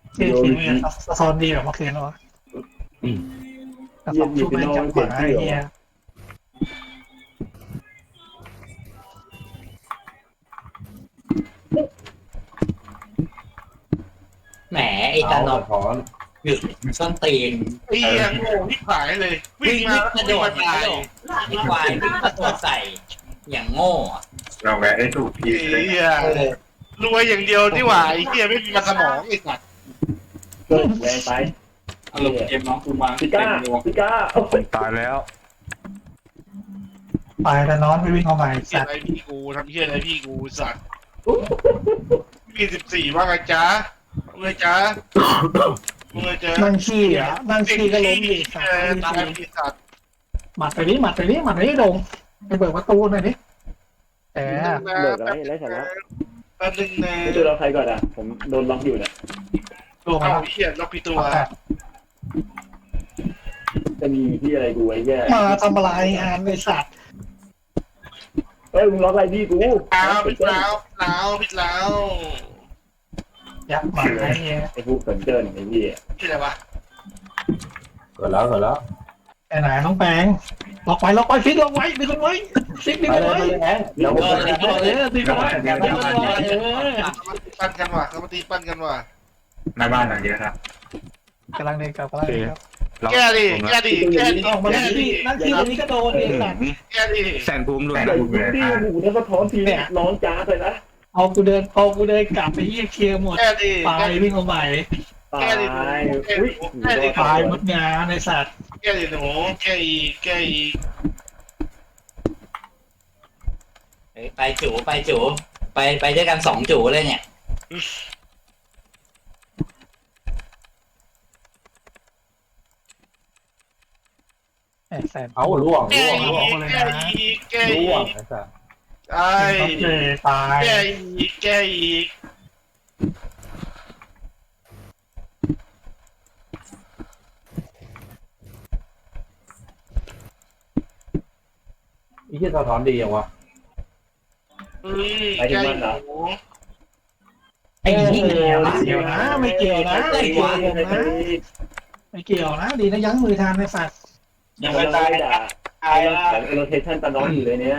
ทีมเนี่ยสะท้อนดีแบบเมื่อคืนแล้ววะแต่สองทุ่มไม่จับหมาไอ้เหี้ยแหมไอ้ตานอนหยุดส้นตีนไอ้เหี้ยโง่ที่ขายเลย วิ่งมากระโดดตายไอ้ควายวิ่งกระโดดใส่อย่างโง่อะเราแวะได้ถูกที่ไอ้เหี้ยรวยอย่างเดียวนี่หว่าไอ้เหี้ยไม่มีมาสมองไอ้สัตว์เกิดแรงไปอารมณ์เกมน้องกูมาพิก้าพิก้าโอ้ยตายแล้วไปแต่นอนไม่วิ่งเข้ามาเหี้ยสัตอะไรว์พี่กูทำเหี้ยอะไรพี่กูสัตว์มี14ว่าไงจ๊ะเมื่อจ๊ะเมื่อจ๊ะนั่งขี้อ่ะนั่งขี้ก็ล้มดิสัตว์ตายพี่สัตว์หมัดไปดิหมัดไปดิหมัดไปดิโดงไปเปิดประตูหน่อยดิแต่เลิกอะไรไร้สาระแป๊บนึงนะไม่ดูเราใครก่อนอ่ะผมโดนล็อกอยู่เนี่ยโดงมาเอาแล้วเหี้ยล็อกพี่ตัวจะมีที่อะไรกูไอ้แย่มาทำอะไรงานไอ้สัตว์เฮ้ยมึงล็อกอะไรพี่กูอ้าวผิดแล้วผิดแล้วยักษ์หมาไอ้เหี้ยไอ้พวกสนเจินไอ้พี่ที่อะไรวะเกิดแล้วไปไหนน้องแปงล็อกไว้ฟิกล็อกไว้ดึงกันไว้ฟิกดึงกันไว้แล้วดึงกันไว้ปั้นกันว่ะเขามาตีปั้นกันว่ะหน้าบ้านหลังเยอะครับกำลังเดินกลับกำลังเดินกลับแก้ดิแก้ดิแก้ดิออกมาแก้นั่งดิขี้นั่งขี้ตรงนี้ก็โดนไอ้สัตว์แก้ดิแสนภูมิหลุดใส่หูดีหูแล้วก็ท้อนทีร้องจ้าเลยนะเอากูเดินกลับไปเหี้ยเคลียร์หมดแก้ดิตายวิ่งเข้าใหม่ตายอุ้ยตายหมดงานไอ้สัตว์แก้ดิหนูแก้อีกแก้อีกเฮ้ยไปจูไปด้วยกัน2 จูเลยเนี่ยไอ้แสนเอาล่วงแก้อีกแก้อีกแก้อีล่วงกไอ้สัสไอ้ตายแก้อีกแก้อีกไอ้ที่สะท้อนดีอย่างวะแก้อีกหนูไอ้เหี้ยไม่เกี่ยวนะไม่เกี่ยวนะไม่เกี่ยวนะไม่เกี่ยวนะดีนะยั้งมือทานไอ้สัตว์ยังไม่ตายด่าตายแล้วโรเทชั่นตาน้องอยู่เลยเนี่ย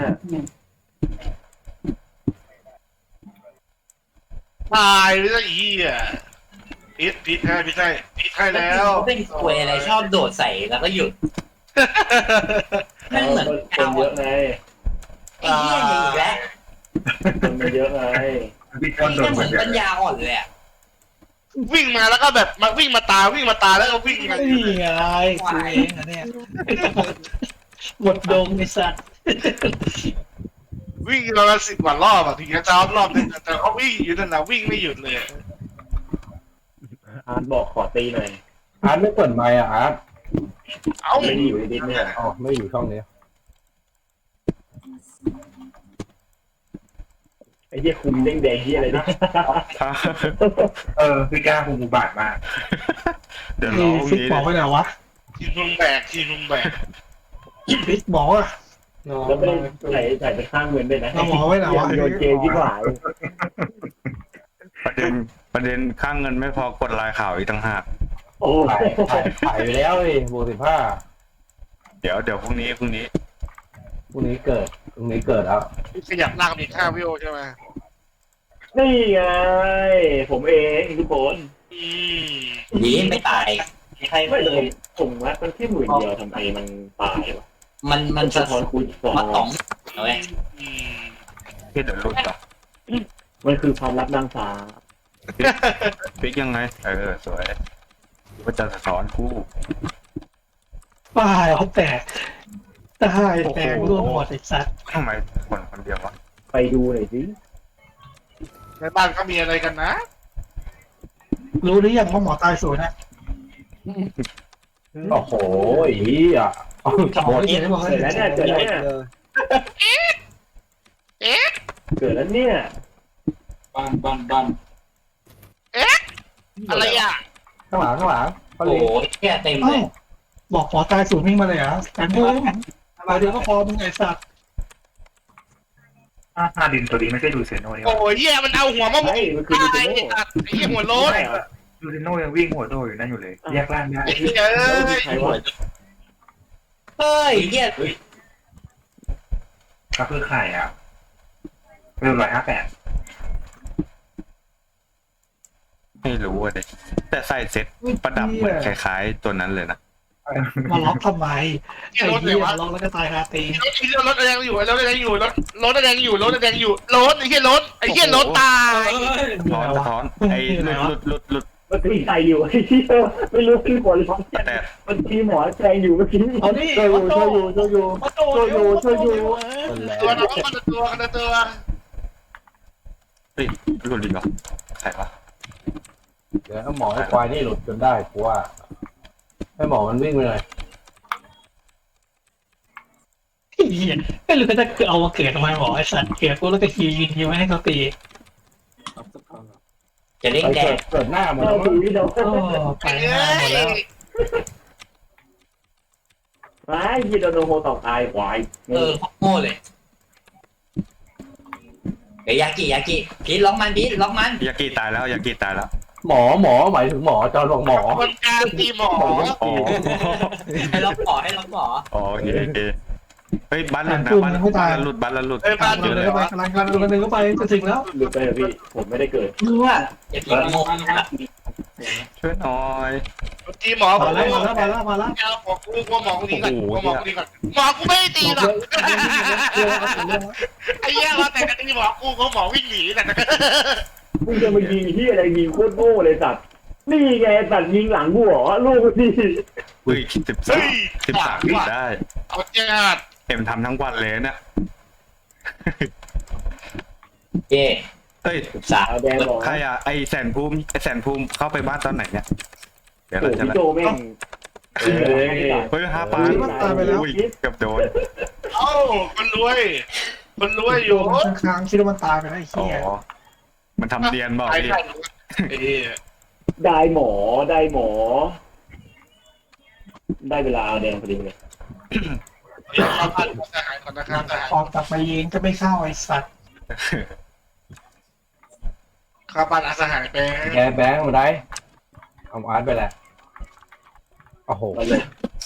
ตายไปซะอีอ่ะพิษให้แล้วเป็นควยอะไรชอบโดดใส่แล้วก็หยุดแม่งเหมือนคนเยอะไงไอ้เหี้ยอย่างอีกแล้วคนมันเยอะไงพี่ไอ้ก้อนโดเหี้ยนเหเหมืมืออน นกันปัญญาอ่อนเลยอะวิ่งมาแล้วก็แบบมาวิ่งมาตาแล้วก็วิ่งมานี่ไงกูเองอะเนี่ยหมดดงไอ้สัตว์วิ่งเราละ10 กว่ารอบอ่ะถึงจะจ้ารอบนึงแต่เขาวิ่งอยู่นั่นนะวิ่งไม่หยุดเลยอาร์ตบอกขอตีหน่อยอาร์ตไม่เปิดไมค์อ่ะอาร์ตเอ้าไม่ได้อยู่ในดิสเนี่ยอ๋อไม่อยู่ช่องนี้ไอ้เหี้ยคุมแดงๆเหี้ยอะไรเนี่ยพี่ก้าคงอุบาทมาก เดี๋ยวรนี่อพรุ่งฟิกนี้บอกไว้ไหนวะทีมลุงแบกฟิกบอกอะแล้วไม่ได้ใส่ไปข้างเงินด้วยนะเราบอกไว้ไหนวะโยนเกมที่หลายประเด็นข้างเงินไม่พอกดลายข่าวอีกต่างหากโอ้ถ่ายไปแล้วเลยบวก15 เดี๋ยวพรุ่งนี้พรุ่งนี้เกิดแล้วขยับลากมีค่าวิวใช่ไหมนี่ไงผมเองทุกคนยีไม่ตายใครไม่เลแต่ยผมวัดมันแค่10,000เดียวทำไมมันตายวะมันสะสะท้อนคูณสองมา2เอาไว้พี่เดี๋ยวหลุดต่อมันคือความลับนางฟ้าพลิกยังไงสวยว่าจะสอนคู่ป้ายเขาแตกตายแตกร่วงหมดไอ้สัตว์ทำไมคนเดียววะไปดูหน่อยสิในบ้านเขามีอะไรกันนะรู้หรือยังว่าหมอตายศูนย์นะโอ้โหอีอ่ะหมอเห็นบอกเกิดแล้วเนี่ยเกิดแล้วเนี่ยเกิดแล้วเนี่ยบ้านอะไรอ่ะข้างหลังเขาโอ้เลี้โหยงเหี้ยเต็มเลเอ้าย บอกหมอตายศูนย์วิ่งมาเลยเหรอแต่เพิ่มมาเดียวก็พอมึงไอ้สัตว์หน้าดินตัวนี้ไม่ใช่ดูเซโน่นี่โอ้ยเหี้ยมันเอาหัวมาหมกใช่มันคือดูตายโน่ไอ้สัตว์ไอ้เหี้ยหัวโล้นลูติโน่ยังวิ่งหัวโดอยู่นั่นอยู่เลยแยกร่างได้ไอ้เหี้ยเอ้ยใครวะเฮ้ยเฮียก็คือไข่อ่ะเริ่ม158ไม่รู้อะเด็แต่ใส่เซ็ตประดับเหมือนคล้ายๆตัวนั้นเลยนะมาล็อกทำไมที่ไอ้รถไหนเหี้ยวะล็อกแล้วก็ตายคาตีรถแดงอยู่รถแดงอยู่รถแดงอยู่รถแดงอยู่รถไอ้เหี้ยรถไอ้เหี้ยรถตายท้อนสะท้อนไอ้หลุดมันตีใครอยู่ไอ้เหี้ยไม่รู้คือผลร้อนแต่มันตีหมอแทงอยู่เมื่อกี้เอาดิช่วยอยู่ช่วยอยู่ช่วยอยู่มาโตเร็วช่วยอยู่ตัวน้องมันตัวกันตัวเฮ้ยหลุดอีกเหรอใครวะเดี๋ยวให้หมอให้ควายนี่หลุดจนได้กูว่าให้หมอมันวิ่งไปเลยไอ้เหี้ยไม่รู้จะคือเอามาเกิดทำไมหมอไอ้สัตว์เกิดกูแล้วก็ฮียิงไม่ให้เขาตีจะเล่นไปแดเกิงดหน้าหมดเราแล้วถือพี่โดนโอ้ไปหน้าหมดแล้วไอ้พี่โดนโฮตอกตายควายโง่เลยเดี๋ยวยากิพีทล็อกมันพีทล็อกมันยากิตายแล้วยากิตายแล้วหมอหมายถึงหมอจอนบอกหมอคนกลางตีหมออ๋อให้ล็อกหมอให้ล็อกหมออ๋อโอเคโอเคเฮ้ยบ้านหลุดนะบ้านหลุดบ้านหลุดบ้านเดินเข้าไปกำลังเดินเข้าไปจะถึงแล้วหลุดไปเลยพี่ผมไม่ได้เกิดมึงว่าอย่าพีทโง่ช่วยหน่อยตีหมอมาแล้วมาแล้วหมอกูหมอกูดีก่อนหมอกูดีก่อนหมอกูไม่ได้ตีหรอกไอ้เหี้ยว่าแต่กันตีหมอกูก็หมอวิ่งหนีแต่มึงจะมายิงที่อะไรยิงโคตรโง่เลยสัตว์นี่ไงสัตว์ยิงหลังกูเหรอลูกพี่เฮ้ย13ปีได้เอาจัดเอ็มทำทั้งวันเลยเนี่ยเย่เฮ้ยสาวเอาแดงบอกใครอ่ะไอแสนภูมิเข้าไปบ้านตอนไหนเนี่ยเดี๋ยวโอ้เราจะพี่โจแม่งเฮ้ย5 ปานอุ้ยเกือบโดนเอ้าคนรวยอยู่ค้างคิดว่ามันตายไปแล้วไอ้อ๋อเหี้ยมันทำเรียนบอกไอ้ดิไอ้ได้หมอได้เวลาเอาแดงพอดีเลยข้าวผัดทหารก่อนนะครับทหารออกกลับมายิงก็ไม่เข้าไอ้สัตว์ข้าวผัดทหารเป็นแกแบงค์มาได้เอาอาร์ตไปแหละโอ้โหเอาเลย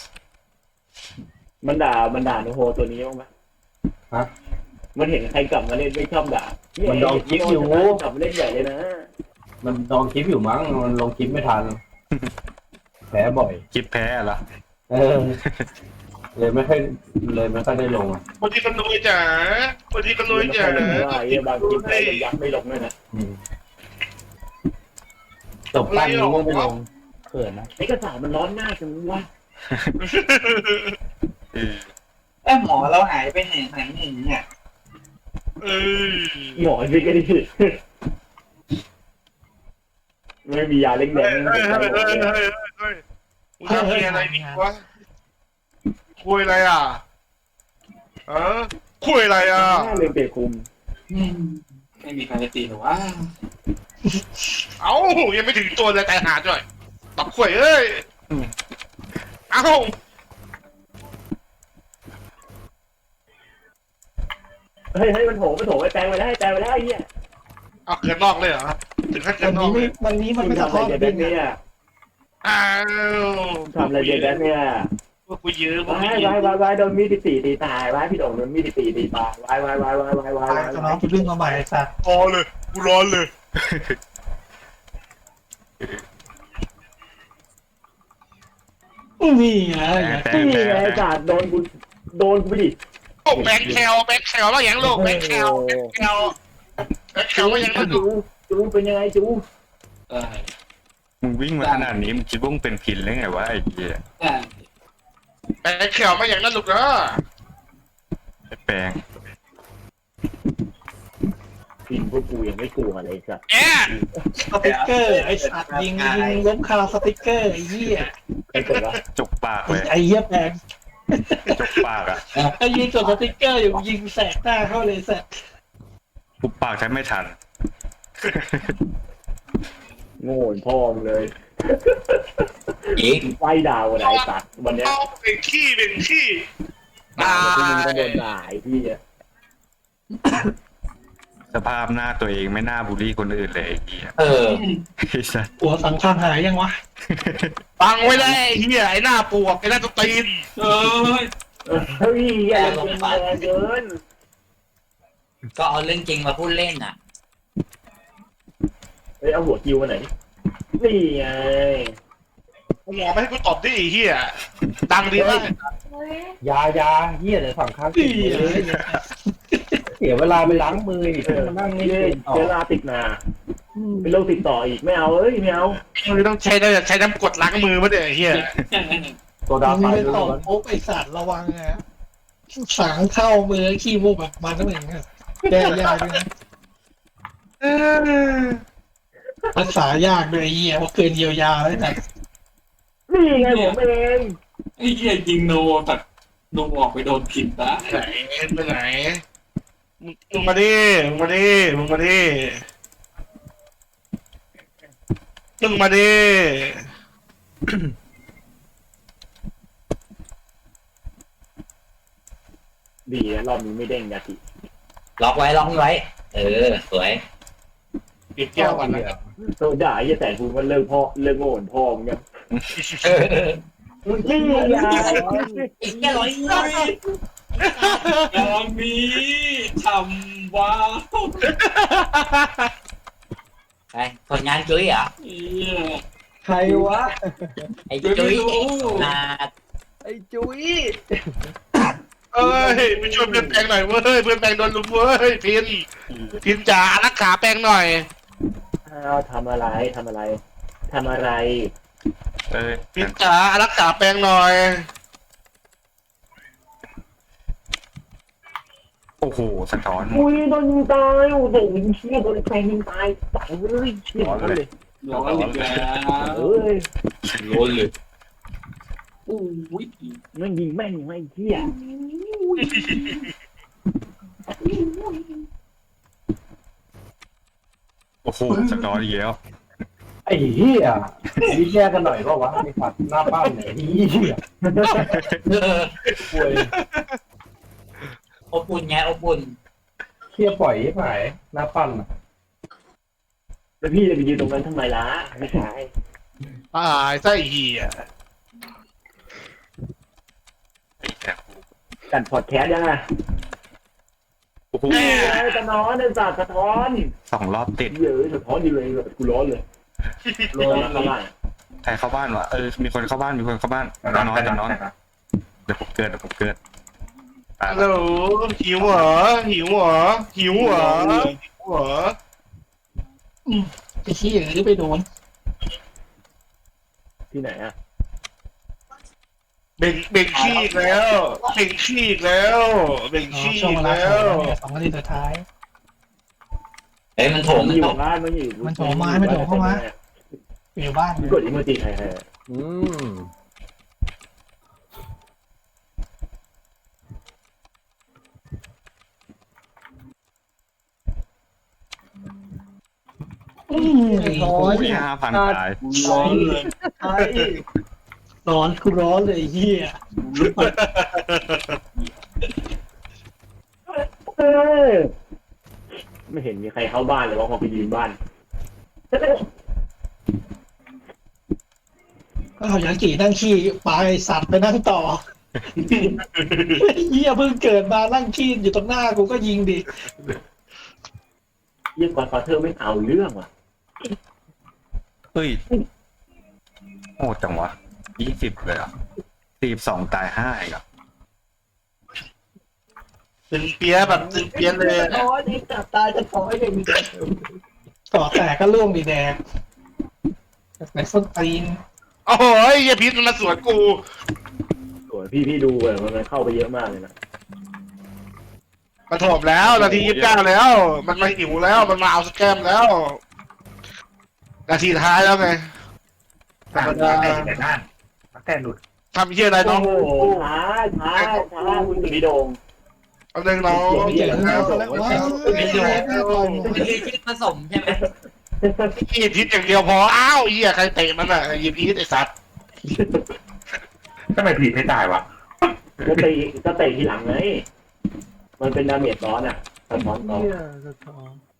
มันด่าโนโฮตัวนี้บ้างไหมมันเห็นใครกลับมาเล่นไม่ชอบด่ากลับมาเล่นใหญ่เลยนะมันลองคลิปอยู่มั้งมันลงคลิปไม่ทันแพ้บ่อยคลิปแพ้เหรอเลยไม่ค่อยได้ลงอ่ะคนที่คนรวยจ๋าคนที่คนรวยจ๋าว่าไอ้บางคลิปใครยักไม่ลงด้วยนะจบตั้งนี้ไม่ลงเขินนะไอ้กระสามันร้อนหน้าจังวะไอ้หมอเราหายไปไหนเนี่ยหมอสิก็ดิไม่มียาเล็กแดงมึงจะคุยอะไรนี่วะคุยอะไรอ่ะคุยอะไรอ่ะเลยเปรคุมไม่มีใครจะตีหรอวะเอ้ายังไม่ถึงตัวเลยแต่หาด้วยตับข่วยเอ้ยเอ้าเฮ้ยมันโถไปแปลงไปได้ไอ้เหี้ยเอาเกินนอกเลยเหรอถึงขั้นเกินนอกเลยวันนี้มันไม่ทำสะอะไรท้อนเด็กเนี่ยอ้าวทำอะไรเด็กเนี่ยพวกกูยืมวายโดนมีดตีตายวายพี่โด่งโดนมีดตีตายวายตายตอนน้องคิดเรื่องมาใหม่ไอ้สัตว์รอเลยกูร้อนเลยนี่ไงนี่ไงจัดโดนกูไปดิโอ้แบงค์แคลว่าอย่างลูกแบงค์แคลว่าอย่างลูกจูเป็นยังไงจูมึงวิ่งมาขนาดนี้มึงคิดว่ามึงเป็นพินหรือไงวะไอ้เหี้ยแบงค์แคลว่าอย่างนั้นลูกนะไอ้แปลงพินพวกกูยังไม่กลัวเลยสัตว์แอะสติ๊กเกอร์ไอ้สัตว์ยิงล้มคาสติ๊กเกอร์ไอ้เหี้ยไอ้ตัวละจกปากเลยไอ้เหี้ยแพงจกปากอ่ะไอ้ยิงกดสติ๊กเกอร์อยู่ยิงแสกหน้าเข้าเลยแสกปุบปากใช้ไม่ทันโง่พ่อมเลยอีกไฟดาวอะไรสัตว์วันเนี้ยเอาเป็นขี้ด่าที่มึงก็โดนด่าไอ้พี่สสภาพหน้าตัวเองไม่น่าบูลลี่คนอื่นเลยไอ้เหี้ยเออไอ้สัสหัวสังข้างหายยังวะฟังไว้ได้ไอ้เหี้ยไอ้หน้าปวกไอ้หน้าตัวตีนเอ้ยเฮ้ยอย่าเล่นแรงเกินก็เอาเรื่องจริงมาพูดเล่นน่ะเฮ้ยเอาหัวคิวมาไหนนี่ไงกูหมอไม่ให้กูตอบดิไอ้เหี้ยดังดีมากยเฮียเดี๋ยวสั่งข้างกินเลยเสียเวลาไปล้างมืออีกมานั่งนี่เกินต่อชื้อราติดนาเป็นโรคติดต่ออีกไม่เอาเอ้ยไม่เอามึงต้องใช้น้ำกรดล้างมือมาเดี๋ยวไอ้เหี้ยตัวดามึไฟงไปด้ต่อวยปุ๊บไอสัตว์ระวังนะสังเข้ามือขี้มูกแบบมันต้องอย่างเงี้ยแก้ยากด้วยนะรักษายากด้วยไอ้เหี้ยเพราะเกินเยียวยาแล้วแต่นี่ไงผมเองไอ้เหี้ยยิงโนแต่โนออกไปโดนผิดนะไปไหนมึงมาดิมึงมาดิมึงมาดิมึงมาดิดีนะรอบนี้ไม่เด้งนาทีล็อกไว้ เออ สวยเก็บแก้วก่อนนะโซด่าไอ้แต่กูมันเลิกโง่เหมือนพ่อมึงยังเออนี่ไงอีกแค่ร้อยตอนนี้ทำว้าวไปผลงานจุ้ยเหรอเหี้ยใครวะไอ้จุ้ยนาไอ้จุ้ยเอ้ยไปช่วยเพื่อนแปลงหน่อยเว้ยเพื่อนแปลงโดนลุมเว้ยพินจ๋ารักขาแปลงหน่อยอ้าวทำอะไรเอ้ยพินจ๋ารักขาแปลงหน่อยโอ้โหสะท้อนอุ้ยโดนยิงตายโอ้โหเชี่ยโดนใครยิงตายตายเลยเชี่ยเลยร้อนอีกแล้วเอ้ยร้อนเลยอู้ยมันยิงแม่งไม่เชี่ยโอ้โหสะท้อนอีกแล้วไอ้เฮียนี่แยกกันหน่อยก็วะไอ้ฝัดหน้าบ้านไหนเฮียเออป่วยอบอุ่นไงอบอุ่นเฮียปล่อยให้หายหน้าปั้นอะแล้วพี่จะไปยืนตรงนั้นทำไมล่ะไม่ใช่ตายไส้เหี้ยไอ้แซ่บกันพอดแคสต์ยังไงโอ้โหสะท้อนไอ้สัตว์สะท้อน 2 รอบติดเยอะสะท้อนอยู่เลยกูร้อนเลยร้อนละลายใครเข้าบ้านวะมีคนเข้าบ้านนอนเดี๋ยวผมเกิดตายฮัลโหลหิวเหรอหิวเหรอไอ้ขี้หรือไปโดนที่ไหนอ่ะเบ่งขี้อีกแล้วเบ่งขี้อีกแล้วเบ่งขี้ช่วงอีเวกลาแล้โถวมเนี่ย2 นาทีสุดท้ายเอ้ยมันโถมมันมันอยู่โถมบ้านมันอยู่มันโถมมาไม่โถมเข้ามา อยู่บ้านกดอีโมจิใครอืมไอ้ร้อโอ้นย5,000ตายร้อนเลยร้อนกูร้อนเลยไอ้เหี้ยไม่เห็นมีใครเข้าบ้านเลยว่าพอไปยืนบ้านก็เอาอย่างกี่นั่งขี้ไปสัตว์ไปนั่งต่อเหี้ยเพิ่งเกิดมานั่งขี้อยู่ตรงหน้ากูก็ยิงดิเยี่ยมกว่าเธอไม่เอาเรื่องว่ะเฮ้ยโอ้จังวะ20เลยอ่ะ42ตาย5อีกอ่ะตึงเปียแบบตึงเปียเลยต่อแต่ก็ล่วงดีแดงในส้นตีนโอ้ยเหี้ยพิษมันมาสวนกูสวยพี่ดูเลยมันเข้าไปเยอะมากเลยนะมาโถมแล้วนาที29แล้ว มันมาหิวแล้วมันมาเอาสแกมแล้ว นาทีท้ายแล้วไงธรรมดาแต่หลุดทำเหี้ยอะไรน้โอ้องโหช้าคุณสุริโดงเอาหนึ่งน้องไม่เจอแล้วแล้วว้าวไม่เจอแล้วมันคือคิดผสมใช่ไหมหยิบพิษอย่างเดียวพออ้าวเหี้ยใครเตะมันอ่ะหยิบพิษไอ้สัตว์ทำไมผีไม่ตายวะก็เตะทีหลังไงมันเป็นดาเมจร้อนอ่ะสะท้อนต่อ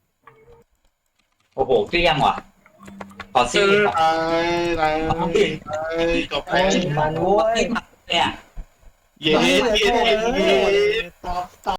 โอ้โหเกลี้ยงว่ะขอซีตายจบไปมันโว้ยเนี่ยเย้ตอบ